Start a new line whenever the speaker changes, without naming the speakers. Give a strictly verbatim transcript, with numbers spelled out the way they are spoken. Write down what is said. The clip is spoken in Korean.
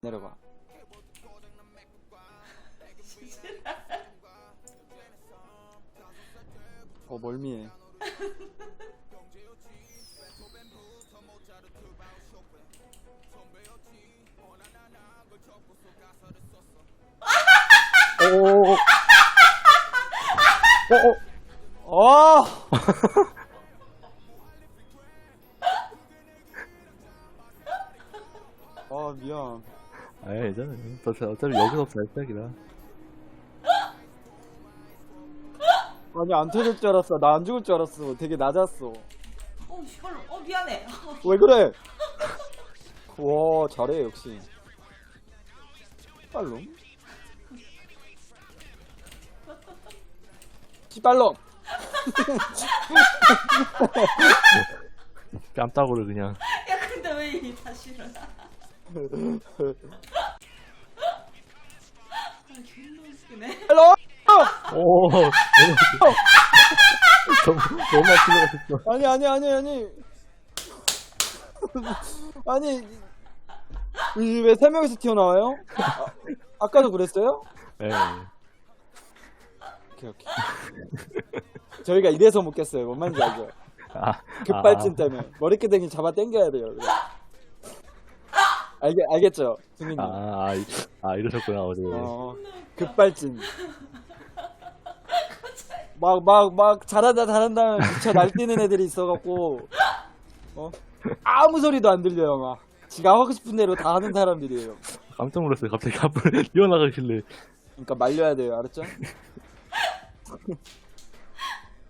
내려가. 어 멀미해. 오오오. 어어. 어. 아 미안.
아, 괜찮아. 어차피 여기서부터 시작이라.
아니 안 터질 줄 알았어. 나 안 죽을 줄 알았어. 되게 낮았어.
어, 시발로. 어, 미안해.
왜 그래? 와 잘해 역시. 빨롱. 시발롱.
뺨따구를 그냥.
야, 근데 왜 이 다시를? 아, 존나 웃기네.
빨롱.
오, 너무, 너무 아프게 갔어.
아니 아니 아니 아니. 아니 왜 세 명이서 튀어나와요? 아, 아까도 그랬어요?
예.
오케이 오케이. 저희가 이래서 못 깼어요. 뭔 말인지 알죠?
아,
급발진 때문에 머리끄댕이 잡아 당겨야 돼요. 그래. 알겠 알겠죠, 승민님?
아, 아, 이- 아, 이러셨구나, 어제.
어 급발진. 막 막 막 잘한다 잘한다 미쳐 날뛰는 애들이 있어갖고 어 아무 소리도 안 들려요. 막 지가 하고 싶은 대로 다 하는 사람들이에요.
깜짝 놀랐어요. 갑자기 앞으로 뛰어나가길래.
그러니까 말려야 돼요. 알았죠?